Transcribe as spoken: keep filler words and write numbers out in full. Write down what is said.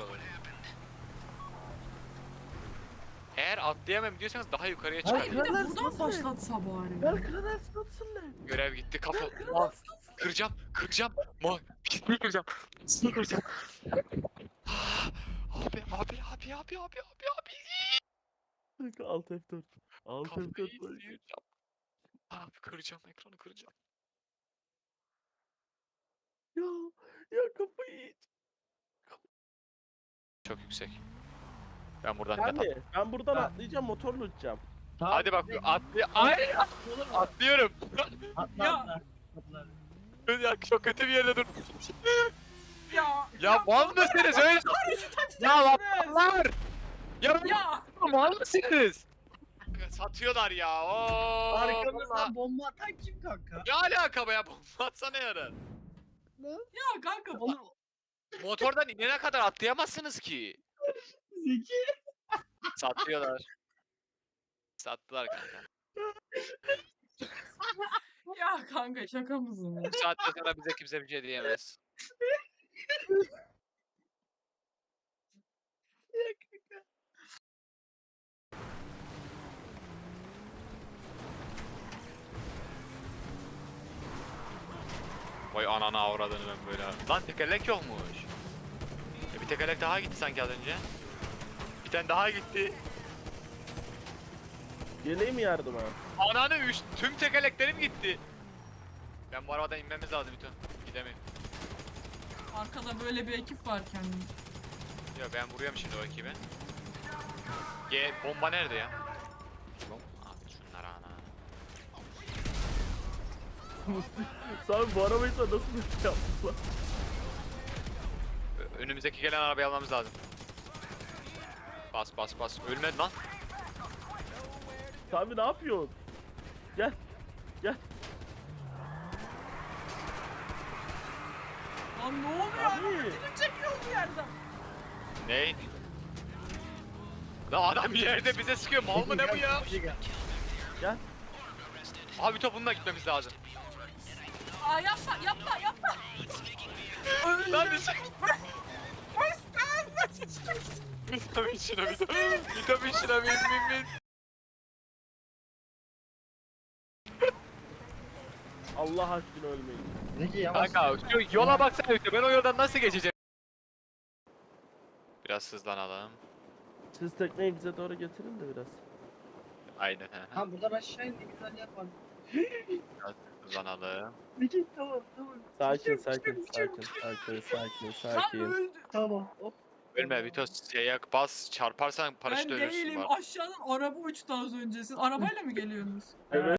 şuraları. Eğer atlayamam diyorsanız daha yukarıya Hayır, çıkabilirim. kral- Bir de buradan başlatsa bari. Gel kral atsınlar. Görev gitti kafa. Mal. Kıracağım, kıracağım. Mal. Pisliği kıracağım. Pisliği kıracağım. Ah, Abi, abi, abi, abi, abi, abi, abi. Alt F dört. Alt F Kafayı dört. yiyeceğim. Abi kıracağım, ekranı kıracağım. Ya ya kafayı yiyeceğim. Çok yüksek. Ben buradan net Yani atlayacağım. ben buradan Ha. atlayacağım, motorla uçacağım. Tamam, Hadi bak, bize- atlay... Ay, Olur mu? atlıyorum. Atla Ya. atla. Atla. Ya çok kötü bir yerde dur. Ya. Ya mal mısınız öyle? Ya laplar! Ya Ya. mal mısınız? Satıyorlar ya. Oo, Arkamızdan vallahi. bomba atan kim kanka? Ne alaka be ya? Bomba atsana yarın. Ya kanka. Oğlum Motordan inene kadar atlayamazsınız ki. Zeki. Satıyorlar. Sattılar kanka. Ya kanka şaka mısın ya? Bu saatte sonra bize kimse bir şey diyemez. Vay anana avradını ben böyle. Lan tekerlek yokmuş. E bir tekerlek daha gitti sanki az önce. Bir tane daha gitti. Geleyim mi yardıma? Ananı üç, tüm tekerleklerim gitti. Ben bu arabadan inmemiz lazım Vito. Gidemiyorum. Arkada böyle bir ekip varken. Ya ben vuruyorum şimdi o ekibi. G bomba nerede ya? Bom- Abi şunlar ana. Sen bu arabayı sen nasıl bir şey yaptın lan? Ö- Önümüzdeki gelen arabayı almamız lazım. Bas bas bas. Ölmedi lan. Sami ne yapıyorsun? Gel. Gel. Lan ne oluyor? Abi. Ödülü çekiyor bu yerden. Ney? Lan adam yerde bize sıkıyor. Mal mı ne bu ya? Gel. Abi topunla gitmemiz lazım. Aa yapma yapma yapma. Lan bir şey. Vitamin şuna vitamin. Vitamin şuna bin bin bin. Allah aşkına ölmeyin. Zeki yavaş. Kanka şu yola baksana Vito. Ben o yoldan nasıl geçeceğim? Biraz hızlanalım. Siz tekneyi bize doğru getirin de biraz. Aynen he. Tamam buradan aşağı in, ne güzel yapalım. Biraz hızlanalım. Zeki tamam tamam. Sakin Düşeceğim, sakin düşeceğim, sakin sakin sakin Lan sakin. öldü. Tamam. Hop. Ölme Vito. Şeye bas çarparsan Ben paraşütle ölürsün değilim. var. Aşağıdan araba uçtu az önce. Siz arabayla mı geliyorsunuz? Evet.